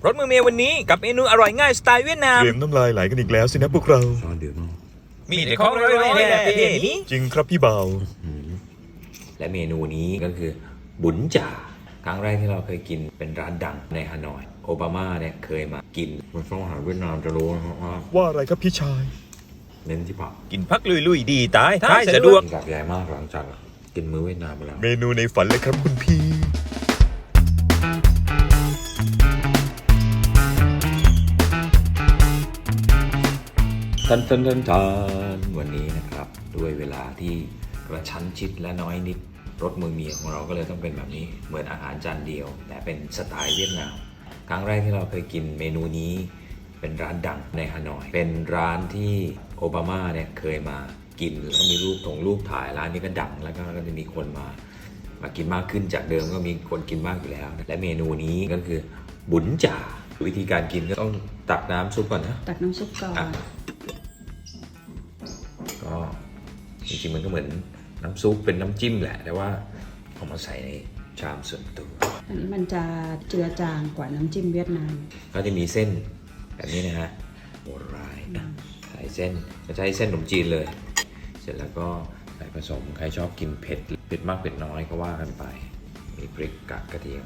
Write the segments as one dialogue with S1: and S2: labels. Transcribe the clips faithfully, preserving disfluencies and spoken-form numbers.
S1: รสมือเมียวันนี้กับเมนูอร่อยง่ายสไตล์เวียดนาม
S2: เตรียมน้ำลายไหลกันอีกแล้วสินะพวกเรา
S3: ซอสเดือดมาก
S1: มีแต่ของอร่อยๆแหละประเทศนี้
S2: จริงครับพี่บ่าว
S3: และเมนูนี้ก็คือบุญจ่าครั้งแรกที่เราเคยกินเป็นร้านดังในฮานอยโอบามาเนี่ยเคยมากินคนฝรั่งอาหารเวียดนามจะรู้นะครับว่า
S2: ว่าอะไรครับพี่ชาย
S3: เน้นที่ผัก
S1: กินพักลุยๆดีตายท้ายสะดวก
S3: กินกับใหญ่มากหลังจากกินมื้อเวียดนามไปแล้ว
S2: เมนูในฝันเลยครับคุณพี่
S3: ทันทันทันทันวันนี้นะครับด้วยเวลาที่กระชั้นชิดและน้อยนิดรสมือเมียของเราก็เลยต้องเป็นแบบนี้เหมือนอาหารจานเดียวแต่เป็นสไตล์เวียดนามครั้งแรกที่เราเคยกินเมนูนี้เป็นร้านดังในฮานอยเป็นร้านที่โอบามาเนี่ยเคยมากินแล้วมีรูปถงรูปถ่ายร้านนี้ก็ดังแล้วก็จะมีคนมามากินมากขึ้นจากเดิมก็มีคนกินมากอยู่แล้วและเมนูนี้ก็คือบุญจ่าวิธีการกินก็ต้องตักน้ำซุปก่อนนะ
S4: ตักน้ำซุปก่อน
S3: ก็จริงๆมันก็เหมือนน้ำซุปเป็นน้ำจิ้มแหละแต่ว่าเอามาใส่ในชามส่วนตัว
S4: อันนี้มันจะเจือจางกว่าน้ำจิ้มเวียดนาม
S3: ก็จะมีเส้นแบบนี้นะฮะโบราณใส่เส้นจะใช้เส้นขนมจีนเลยเสร็จแล้วก็ใส่ผสมใครชอบกินเผ็ดเผ็ดมากเผ็ดน้อยก็ว่ากันไปมีพริกกากกระเทียม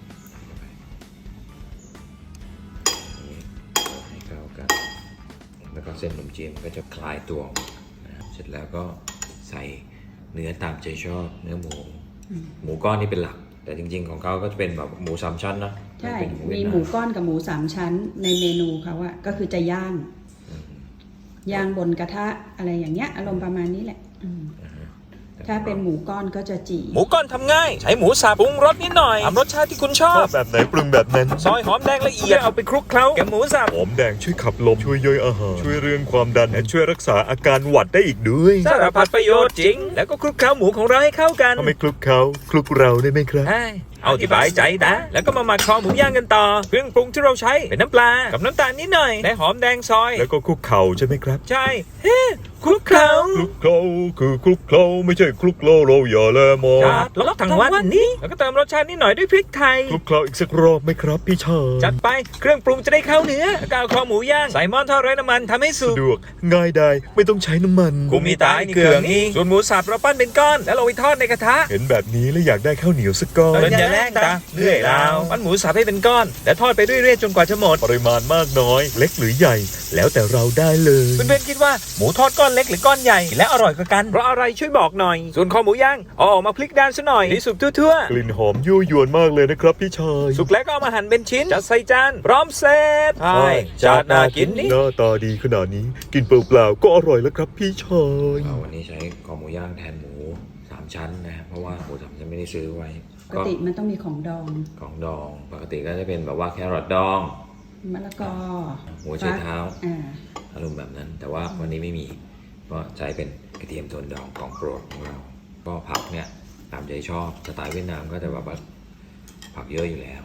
S3: ให้เข้ากันแล้วก็เส้นขนมจีนมันก็จะคลายตัวเสร็จแล้วก็ใส่เนื้อตามใจชอบเนื้อหมูหมูก้อนนี่เป็นหลักแต่จริงๆของเขาก็จะเป็นแบบหมูสามชั้นนะ
S4: ใช่มีหมูก้อนกับหมูสามชั้นในเมนูเขาอะก็คือจะย่างย่างบนกระทะอะไรอย่างเงี้ยอารมณ์ประมาณนี้แหละถ้าเป็นหมูก้อนก็จะจี่
S1: หมูก้อนทำง่ายใช้หมูสับปรุงรสนิดหน่อยตามรสชาติที่คุณชอ
S2: ช
S1: บ
S2: อบแบบไหนปรุงแบบนั้น
S1: ซอยหอมแดงละเอียดเอาไปคลุกเคล้ากับหมูสับ
S2: หอมแดงช่วยขับลมช่วยย่อยอาหารช่วยเรื่องความดันและช่วยรักษาอาการหวัดได้อีกด้วย
S1: สารพัดประโยชน์จริงแล้วก็คลุกเคล้าหมูของเราให้เข้ากัน
S2: ถ้าไม่คลุกเขาคลุกเราได้ไหมครับ
S1: เอาที่สบายใจนะแล้วก็มาหมักคอหมูย่างกันต่อเครื่องปรุงที่เราใช้เป็นน้ำปลากับน้ำตาลนิดหน่อยและหอมแดงซอย
S2: แล้วก็คลุกเข่าใช่ไหมครับ
S1: ใช่เฮ้คลุกเคล้า
S2: คลุกเคล้าคือคลุกเคล้าไม่ใช่คลุกเคล้าเราอย่าแลมอง
S1: จัดลบทั้งวันนี้แล้วก็เติมรสชาตินิดหน่อยด้วยพริกไทย
S2: คลุกเคล้าอีกสักรอบไหมครับพี่ชาย
S1: จัดไปเครื่องปรุงจะได้เข้าเนื้อแล้วก็เอาคอหมูย่างใส่หม้อทอดไร้น้ำมันทำให้สุก
S2: สะดวกง่ายได้ไม่ต้องใช้น้ำมัน
S1: กูมีตายเกลืองนี่ส่วนหมูสับเราปั้นเป็นก้อนแล้วเราไปทอดในกระทะ
S2: เห็นแบบนี้แล้วอยากได้ข้าวเหนียวสักก้อน
S1: เดินอย่าแลกตาเรื่อยแล้วปั้นหมูสับให้เป็นก้อนแล้วทอดไปเรื่อยๆจนกว่าจะหมด
S2: ปริมาณมากน้อยเล็กหรือใหญ่แล้วแต่เราได้เลย
S1: เพื่อนๆคิดว่าหมูทอดก้อนเล็กหรือก้อนใหญ่และอร่อยกว่ากันเพราะอะไรช่วยบอกหน่อยส่วนคอหมูย่างเอาออกมาพลิกด้านซะหน่อยให้สุกทั่ว
S2: ๆกลิ่นหอมยั่วยวนมากเลยนะครับพี่ชาย
S1: สุกแล้วก็เอามาหั่นเป็นชิ้นจัดใส่จานพร้อมเสร็จใช่จานน่ากินนี่
S2: หน้าตาดีขนาดนี้กินเปล่าๆก็อร่อยแล้วครับพี่ชาย
S3: วันนี้ใช้คอหมูย่างแทนหมูสามชั้นนะครับเพราะว่าหมูสามชั้นไม่ได้ซื้อไว้
S4: ปกติมันต้องมีของดอง
S3: ของดองปกติก็จะเป็นแบบว่าแครอทดอง
S4: มะละกอ
S3: หัวไชเท้าอารมณ์แบบนั้นแต่ว่าวันนี้ไม่มีก็ใช้เป็นกระเทียมโทนดองของโปรดของเราก็ผักเนี่ยตามใจชอบสไตล์เวียดนามก็จะแบบว่าผักเยอะอยู่แล้ว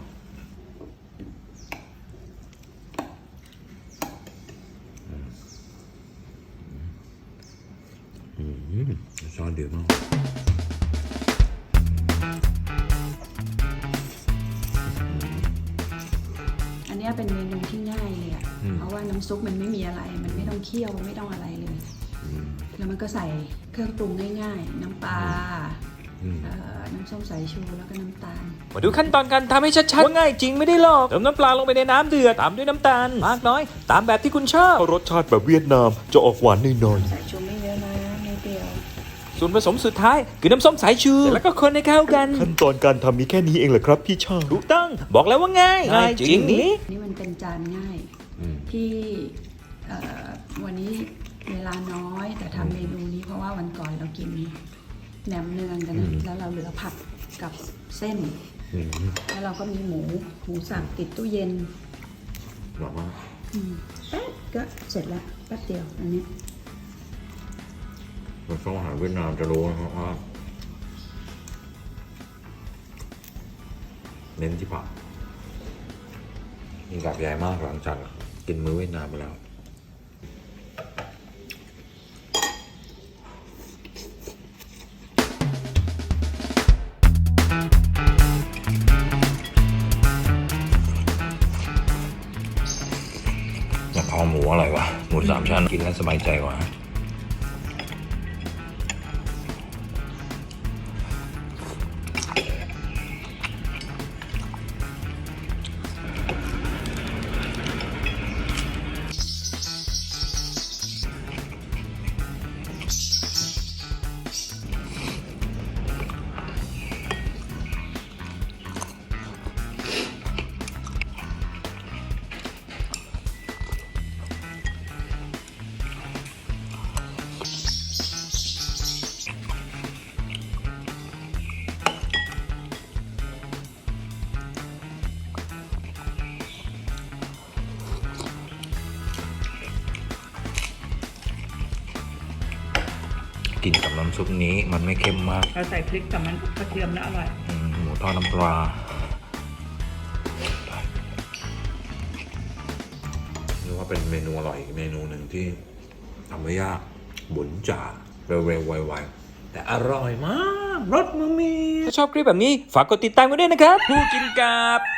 S3: ซอสเดือดมาก
S4: อันนี้เป็นเมนูที่ง่ายเลยอ่ะเพราะว่าน้ำซุปมันไม่มีอะไรมันไม่ต้องเคี่ยวไม่ต้องอะไรเลยแล้วมันก็ใส่เครื่องปรุงง่ายๆน้ำปลาน้ำส้มสายชูแล้วก็น้ำตาล
S1: มาดูขั้นตอนการทำให้ชัดๆว่าง่ายจริงไม่ได้หลอกเติมน้ำปลาลงไปในน้ำเดือดตามด้วยน้ำตาลมากน้อยตามแบบที่คุณชอบ
S2: รสชาติแบบเวียดนามจะออกหวานหน่อย
S4: ๆสายชูไม่เยอะนะนิดเดียว
S1: ส่วนผสมสุดท้ายคือน้ำส้มสายชูแล้วก็คนให้เข้ากัน
S2: ขั้นตอนการทำมีแค่นี้เองเหรอครับพี่ชาย
S1: ถูกต้องบอกแล้วว่าง่ายง่ายจริงนี่
S4: นี่มันเป็นจานง่ายที่วันนี้เวลาน้อยแต่ทำเมนูนี้เพราะว่าวันก่อนเรากินแหนมเนืองกันแล้วเราเหลือผักกับเส้นแล้วเราก็มีหมูหมูสับติดตู้เย็น
S3: บอกว่า
S4: แป๊บก็เสร็จแล้วแป๊บเดียวอันนี้
S3: คนฝรั่งอาหารเวียดนามจะรู้นะครับว่าเน้นที่ผักมีกับใหญ่มากหลังจากกินมื้อเวียดนามไปแล้วอหมูอร่อยวะหมูสามชั้นกินแล้วสบายใจกว่ากินกับน้ำซุปนี้มันไม่เข้มมาก
S4: เราใส่พริกกับมันกระเทียมแล้วอร่อย
S3: อืมหมูทอดน้ำปลาเรียกว่าเป็นเมนูอร่อยอีกเมนูหนึ่งที่ทำไม่ยากบุญจ่าเร็วๆไวๆแต่อร่อยมากรสมือมี
S1: ถ้าชอบคลิปแบบนี้ฝากกดติดตามกันด้วยนะครับ ผู้กินกับ